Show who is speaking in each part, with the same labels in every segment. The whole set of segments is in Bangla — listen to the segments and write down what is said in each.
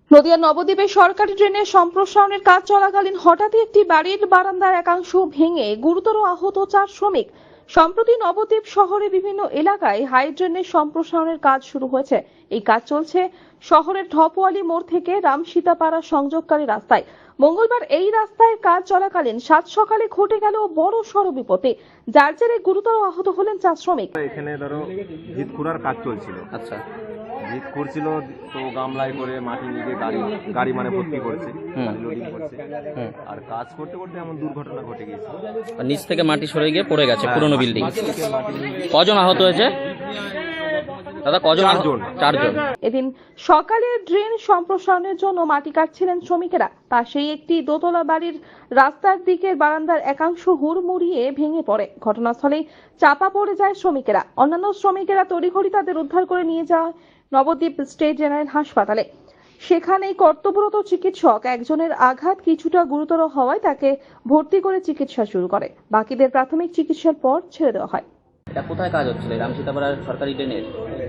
Speaker 1: নদিয়ার নবদ্বীপে সরকারি ড্রেনের সম্প্রসারণের কাজ চলাকালীন হঠাৎই একটি বাড়ির বারান্দার একাংশ ভেঙে গুরুতর আহত 4 শ্রমিক। সম্প্রতি নবদ্বীপ শহরে বিভিন্ন এলাকায় হাই ড্রেনের সম্প্রসারণের কাজ শুরু হয়েছে। এই কাজ চলছে শহরের ঢপওয়ালি মোড় থেকে রামসীতাপাড়া সংযোগকারী রাস্তায়। মঙ্গলবার এই রাস্তায় কাজ চলাকালীন সাত সকালে ঘটে গেল বড় সড় বিপত্তি, যার জেরে গুরুতর আহত হলেন 4 শ্রমিক।
Speaker 2: এখানে ধরো ভিত খুঁড়ার কাজ চলছিল।
Speaker 3: আচ্ছা,
Speaker 2: ভিত খুঁড়ছিল তো গামলায় করে মাটি নিয়ে গাড়ি মানে ভর্তি করছে, লোডিং করছে। আর কাজ করতে করতে এমন দুর্ঘটনা ঘটে গেছে,
Speaker 3: আর নিচ থেকে মাটি সরে গিয়ে পড়ে গেছে পুরনো বিল্ডিং। কজন আহত হয়েছে দাদা? কজন? 4 জন।
Speaker 1: এদিন সকালে ড্রেন সম্প্রসারণের জন্য মাটি কাটছিলেন শ্রমিকেরা। পাশেই একটি দোতলা বাড়ির রাস্তার দিকের বারান্দার একাংশ হুড়মুড়িয়ে ভেঙে পড়ে। ঘটনাস্থলেই চাপা পড়ে যায় শ্রমিকেরা। অন্যান্য শ্রমিকেরা তড়িঘড়ি তাদের উদ্ধার করে নিয়ে যায় নবদ্বীপ স্টেট জেনারেল হাসপাতালে। সেখানেই কর্তব্যরত চিকিৎসক একজনের আঘাত কিছুটা গুরুতর হওয়ায় তাকে ভর্তি করে চিকিৎসা শুরু করে। বাকিদের প্রাথমিক চিকিৎসার পর ছেড়ে দেওয়া হয়।
Speaker 3: এটা কোথায় কাজ হচ্ছিল? রামসীতাপাড়ার সরকারি ড্রেনের।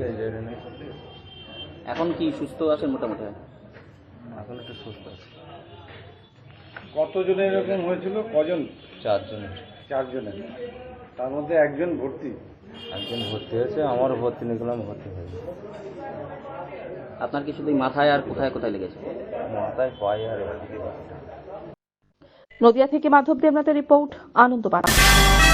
Speaker 3: এখন কি সুস্থ আছেন মোটামুটি?
Speaker 2: এখন একটু সুস্থ আছে।
Speaker 4: কতজনের এরকম হয়েছিল? কজন?
Speaker 2: 4 জনের।
Speaker 4: 4 জনের, তার মধ্যে একজন ভর্তি
Speaker 2: হয়েছে, আমারও ভর্তি নিয়েছিলাম, ভর্তি হয়েছে।
Speaker 3: আপনার কি শুধু মাথায় আর কোথায় কোথায় লেগেছে?
Speaker 2: মাথায়, পায়ে আর
Speaker 1: নদিয়া থেকে মাধব দেবনাথের রিপোর্ট, আনন্দবার্তা।